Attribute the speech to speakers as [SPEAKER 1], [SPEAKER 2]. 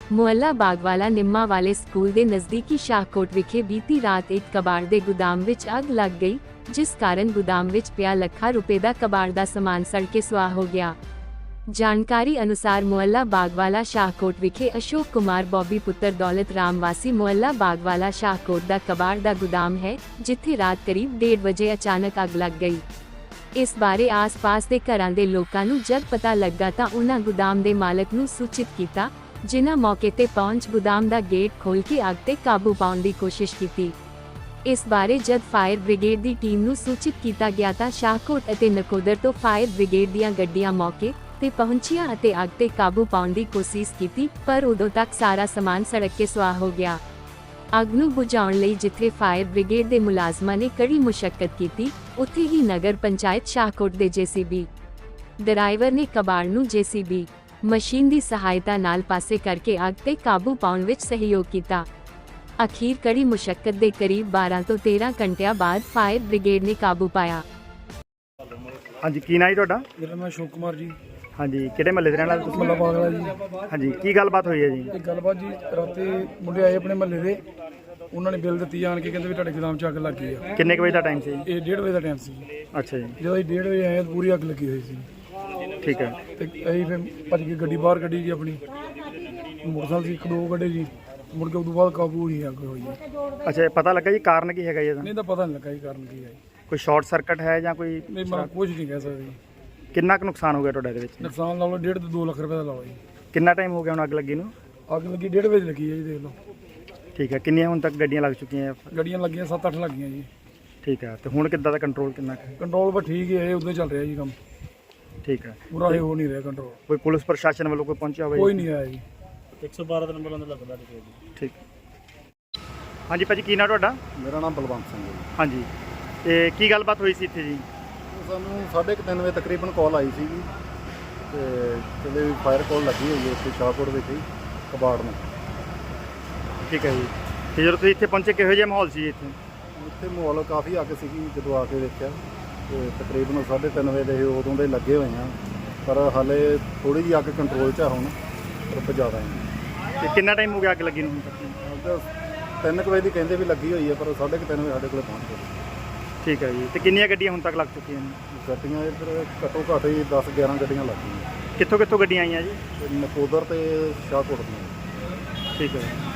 [SPEAKER 1] ਮੁਹੱਲਾ ਬਾਗਵਾਲਾ ਨਿੰਮਾ ਵਾਲੇ ਸਕੂਲ ਦੇ ਨਜ਼ਦੀਕੀ ਸ਼ਾਹਕੋਟ ਵਿਖੇ ਬੀਤੀ ਰਾਤ ਇੱਕ ਕਬਾੜ ਦੇ ਗੋਦਾਮ ਵਿੱਚ ਅੱਗ ਲੱਗ ਗਈ, ਜਿਸ ਕਾਰਨ ਗੋਦਾਮ ਵਿੱਚ ਪਿਆ ਲੱਖਾਂ ਰੁਪਏ ਦਾ ਕਬਾੜ ਦਾ ਸਮਾਨ ਸੜ ਕੇ ਸੁਆਹ ਹੋ ਗਿਆ। ਜਾਣਕਾਰੀ ਅਨੁਸਾਰ ਮੁਹੱਲਾ ਬਾਗਵਾਲਾ ਸ਼ਾਹਕੋਟ ਵਿਖੇ ਅਸ਼ੋਕ ਕੁਮਾਰ ਬੌਬੀ ਪੁੱਤਰ ਦੌਲਤ ਰਾਮ ਵਾਸੀ ਮੁਹੱਲਾ ਬਾਗਵਾਲਾ ਸ਼ਾਹਕੋਟ ਦਾ ਕਬਾੜ ਦਾ ਗੋਦਾਮ ਹੈ, ਜਿੱਥੇ ਰਾਤ ਕਰੀਬ 1:30 ਵਜੇ ਅਚਾਨਕ ਅੱਗ ਲੱਗ ਗਈ। ਇਸ ਬਾਰੇ ਆਸ-ਪਾਸ ਦੇ ਘਰਾਂ ਦੇ ਲੋਕਾਂ ਨੂੰ ਜਦ ਪਤਾ ਲੱਗਾ ਤਾਂ ਉਹਨਾਂ ਗੋਦਾਮ ਦੇ ਮਾਲਕ ਨੂੰ ਸੂਚਿਤ ਕੀਤਾ, ਜਿਨ੍ਹਾਂ ਮੌਕੇ ਤੇ ਪਹੁੰਚ ਗੋਦਾਮ ਦਾ ਗੇਟ ਖੋਲ੍ਹ ਕੇ ਅੱਗ ਤੇ ਕਾਬੂ ਪਾਉਣ ਦੀ ਕੋਸ਼ਿਸ਼ ਕੀਤੀ। ਇਸ ਬਾਰੇ ਜਦ ਫਾਇਰ ਬ੍ਰਿਗੇਡ ਦੀ ਟੀਮ ਨੂੰ ਸੂਚਿਤ ਕੀਤਾ ਗਿਆ ਤਾਂ ਸ਼ਾਹਕੋਟ ਅਤੇ ਨਕੋਦਰ ਤੋਂ ਫਾਇਰ ਬ੍ਰਿਗੇਡ ਦੀਆਂ ਗੱਡੀਆਂ ਮੌਕੇ ਤੇ ਪਹੁੰਚੀਆਂ ਅਤੇ ਅੱਗ ਤੇ ਕਾਬੂ ਪਾਉਣ ਦੀ ਕੋਸ਼ਿਸ਼ ਕੀਤੀ, ਪਰ ਉਦੋਂ ਤੱਕ ਸਾਰਾ ਸਮਾਨ ਸੜ ਕੇ ਸੁਆਹ ਹੋ ਗਿਆ। ਅੱਗ ਨੂੰ ਬੁਝਾਉਣ ਲਈ ਜਿੱਥੇ ਫਾਇਰ ਬ੍ਰਿਗੇਡ ਦੇ ਮੁਲਾਜ਼ਮਾਂ ਨੇ ਕੜੀ ਮੁਸ਼ੱਕਤ ਕੀਤੀ, ਉੱਥੇ ਹੀ ਨਗਰ ਪੰਚਾਇਤ ਸ਼ਾਹਕੋਟ ਦੇ ਜੇਸੀਬੀ ਡਰਾਈਵਰ ਨੇ ਕਬਾੜ ਨੂੰ ਜੇਸੀਬੀ ਮਸ਼ੀਨ ਦੀ ਸਹਾਇਤਾ ਨਾਲ ਪਾਸੇ ਕਰਕੇ ਅੱਗ ਤੇ ਕਾਬੂ ਪਾਉਣ ਵਿੱਚ ਸਹਿਯੋਗ ਕੀਤਾ। ਅਖੀਰ ਕੜੀ ਮੁਸ਼ੱਕਤ ਦੇ ਕਰੀਬ 12 ਤੋਂ 13 ਘੰਟਿਆਂ ਬਾਅਦ ਫਾਇਰ ਬ੍ਰਿਗੇਡ ਨੇ ਕਾਬੂ ਪਾਇਆ।
[SPEAKER 2] ਹਾਂਜੀ, ਕੀ ਨਾਂ ਜੀ ਤੁਹਾਡਾ?
[SPEAKER 3] ਮੇਰਾ ਨਾਮ ਅਸ਼ੋਕ ਕੁਮਾਰ ਜੀ।
[SPEAKER 2] ਹਾਂਜੀ, ਕਿਹੜੇ ਮਹੱਲੇ ਦੇ ਰਹਿਣ ਵਾਲੇ ਤੁਸੀਂ?
[SPEAKER 3] ਮੁਹੱਲਾ ਬਾਗਲਾ ਜੀ।
[SPEAKER 2] ਹਾਂਜੀ, ਕੀ ਗੱਲਬਾਤ ਹੋਈ ਹੈ ਜੀ?
[SPEAKER 3] ਇਹ ਗੱਲਬਾਤ ਜੀ, ਰਾਤੀ ਮੁੰਡੇ ਆਏ ਆਪਣੇ ਮਹੱਲੇ ਦੇ, ਉਹਨਾਂ ਨੇ ਬਿੱਲ ਦਿੱਤੀ ਆਣ ਕੇ, ਕਹਿੰਦੇ ਵੀ ਤੁਹਾਡੇ ਗੋਦਾਮ 'ਚ ਅੱਗ ਲੱਗ ਗਈ ਆ।
[SPEAKER 2] ਕਿੰਨੇ ਕੁ ਵਜੇ ਦਾ ਟਾਈਮ ਸੀ?
[SPEAKER 3] ਇਹ 1:30 ਵਜੇ ਦਾ ਟਾਈਮ ਸੀ।
[SPEAKER 2] ਅੱਛਾ ਜੀ,
[SPEAKER 3] ਜਦੋਂ ਅਸੀਂ 1:30 ਵਜੇ ਆਏ ਤਾਂ ਪੂਰੀ ਅੱਗ ਲੱਗੀ ਹੋਈ ਸੀ।
[SPEAKER 2] ਠੀਕ ਹੈ।
[SPEAKER 3] ਤੇ ਅਸੀਂ ਫਿਰ ਭੱਜ ਕੇ ਗੱਡੀ ਬਾਹਰ ਕੱਢੀ ਜੀ, ਆਪਣੀ ਮੋਟਰਸਾਈਕਲ ਸੀ, 1-2 ਗੱਡੇ ਜੀ। ਮੁੜ ਕੇ ਉਦੋਂ ਬਾਅਦ ਕਾਬੂ ਹੋਈ ਅੱਗ ਹੋਈ ਜੀ।
[SPEAKER 2] ਅੱਛਾ, ਇਹ ਪਤਾ ਲੱਗਾ ਜੀ ਕਾਰਨ ਕੀ ਹੈਗਾ ਜੀ ਇਹਦਾ?
[SPEAKER 3] ਨਹੀਂ ਤਾਂ ਪਤਾ ਨਹੀਂ ਲੱਗਾ ਜੀ ਕਾਰਨ ਕੀ ਹੈ।
[SPEAKER 2] ਕੋਈ ਸ਼ਾਰਟ ਸਰਕਟ ਹੈ ਜਾਂ ਕੋਈ?
[SPEAKER 3] ਨਹੀਂ, ਮੈਂ ਕੁਝ ਨਹੀਂ ਕਹਿ ਸਕਦਾ ਜੀ।
[SPEAKER 2] ਕਿੰਨਾ ਕੁ ਨੁਕਸਾਨ ਹੋ ਗਿਆ ਤੁਹਾਡਾ ਇਹਦੇ ਵਿੱਚ?
[SPEAKER 3] ਨੁਕਸਾਨ ਲਾ ਲਓ 1.5 ਤੋਂ 2 ਲੱਖ ਰੁਪਏ ਦਾ ਲਾਓ ਜੀ।
[SPEAKER 2] ਕਿੰਨਾ ਟਾਈਮ ਹੋ ਗਿਆ ਹੁਣ ਅੱਗ ਲੱਗੀ ਨੂੰ?
[SPEAKER 3] ਅੱਗ ਲੱਗੀ 1:30 ਵਜੇ ਲੱਗੀ ਹੈ ਜੀ, ਦੇਖ ਲਓ।
[SPEAKER 2] ਠੀਕ ਹੈ, ਕਿੰਨੀਆਂ ਹੁਣ ਤੱਕ ਗੱਡੀਆਂ ਲੱਗ ਚੁੱਕੀਆਂ?
[SPEAKER 3] ਗੱਡੀਆਂ ਲੱਗੀਆਂ 7-8 ਲੱਗੀਆਂ ਜੀ।
[SPEAKER 2] ਠੀਕ ਹੈ, ਤੇ ਹੁਣ ਕਿੱਦਾਂ ਦਾ ਕੰਟਰੋਲ ਕਿੰਨਾ ਕੁ ਹੈ?
[SPEAKER 3] ਕੰਟਰੋਲ ਬਸ ਠੀਕ ਹੈ, ਉਦੋਂ ਚੱਲ ਰਿਹਾ ਜੀ ਕੰਮ।
[SPEAKER 2] ਠੀਕ ਹੈ,
[SPEAKER 3] ਪੂਰਾ ਇਹ ਹੋ ਨਹੀਂ ਰਿਹਾ ਕੰਟਰੋਲ।
[SPEAKER 2] ਕੋਈ ਪੁਲਿਸ ਪ੍ਰਸ਼ਾਸਨ ਵੱਲੋਂ ਕੋਈ ਪਹੁੰਚਿਆ ਹੋਵੇ?
[SPEAKER 3] ਕੋਈ ਨਹੀਂ ਆਇਆ ਜੀ।
[SPEAKER 4] 112 ਦਾ ਨੰਬਰ ਅੰਦਰ ਲੱਗਦਾ ਜੀ।
[SPEAKER 2] ਠੀਕ। ਹਾਂਜੀ ਭਾਜੀ, ਕੀ ਨਾਂ ਤੁਹਾਡਾ?
[SPEAKER 5] ਮੇਰਾ ਨਾਮ ਬਲਵੰਤ ਸਿੰਘ ਹੈ ਜੀ।
[SPEAKER 2] ਹਾਂਜੀ, ਤੇ ਕੀ ਗੱਲਬਾਤ ਹੋਈ ਸੀ ਇੱਥੇ ਜੀ?
[SPEAKER 5] ਸਾਨੂੰ 3:30 ਵਜੇ ਤਕਰੀਬਨ ਕਾਲ ਆਈ ਸੀ ਜੀ, ਤੇ ਕਹਿੰਦੇ ਵੀ ਫਾਇਰ ਕਾਲ ਲੱਗੀ ਹੋਈ ਹੈ ਇੱਥੇ ਸ਼ਾਹਕੋਟ ਵਿੱਚ ਹੀ ਕਬਾੜ ਨੂੰ।
[SPEAKER 2] ਠੀਕ ਹੈ ਜੀ, ਤੇ ਜਦੋਂ ਤੁਸੀਂ ਇੱਥੇ ਪਹੁੰਚੇ ਕਿਹੋ ਜਿਹਾ ਮਾਹੌਲ ਸੀ ਇੱਥੇ?
[SPEAKER 5] ਇੱਥੇ ਮਾਹੌਲ ਕਾਫੀ ਅੱਗ ਸੀਗੀ ਜਦੋਂ ਆ ਕੇ ਦੇਖਿਆ, ਤੇ ਤਕਰੀਬਨ 3:30 ਵਜੇ ਦੇ ਉਦੋਂ ਦੇ ਲੱਗੇ ਹੋਏ ਆ, ਪਰ ਹਾਲੇ ਥੋੜ੍ਹੀ ਜਿਹੀ ਅੱਗ ਕੰਟਰੋਲ 'ਚ ਆ ਹੁਣ, ਪਰ ਜ਼ਿਆਦਾ ਨਹੀਂ।
[SPEAKER 2] ਤੇ ਕਿੰਨਾ ਟਾਈਮ ਹੋ ਗਿਆ ਅੱਗ ਲੱਗੀ ਨੂੰ ਹੁਣ ਤੱਕ?
[SPEAKER 5] ਅੱਗ 3 ਵਜੇ ਦੀ ਕਹਿੰਦੇ ਵੀ ਲੱਗੀ ਹੋਈ ਹੈ, ਪਰ 3:30 ਵਜੇ ਸਾਡੇ ਕੋਲ ਪਹੁੰਚ ਗਈ।
[SPEAKER 2] ਠੀਕ ਹੈ ਜੀ, ਤੇ ਕਿੰਨੀਆਂ ਗੱਡੀਆਂ ਹੁਣ ਤੱਕ ਲੱਗ ਚੁੱਕੀਆਂ ਨੇ?
[SPEAKER 5] ਗੱਡੀਆਂ ਇੱਧਰ ਘੱਟੋ ਘੱਟ ਹੀ 10-11 ਗੱਡੀਆਂ ਲੱਗ ਗਈਆਂ,
[SPEAKER 2] ਕਿੱਥੋਂ ਕਿੱਥੋਂ ਗੱਡੀਆਂ ਆਈਆਂ ਜੀ?
[SPEAKER 5] ਤੇ ਨਕੋਦਰ ਤੇ ਸ਼ਾਹਕੋਟ ਦੀਆਂ।
[SPEAKER 2] ਠੀਕ ਹੈ।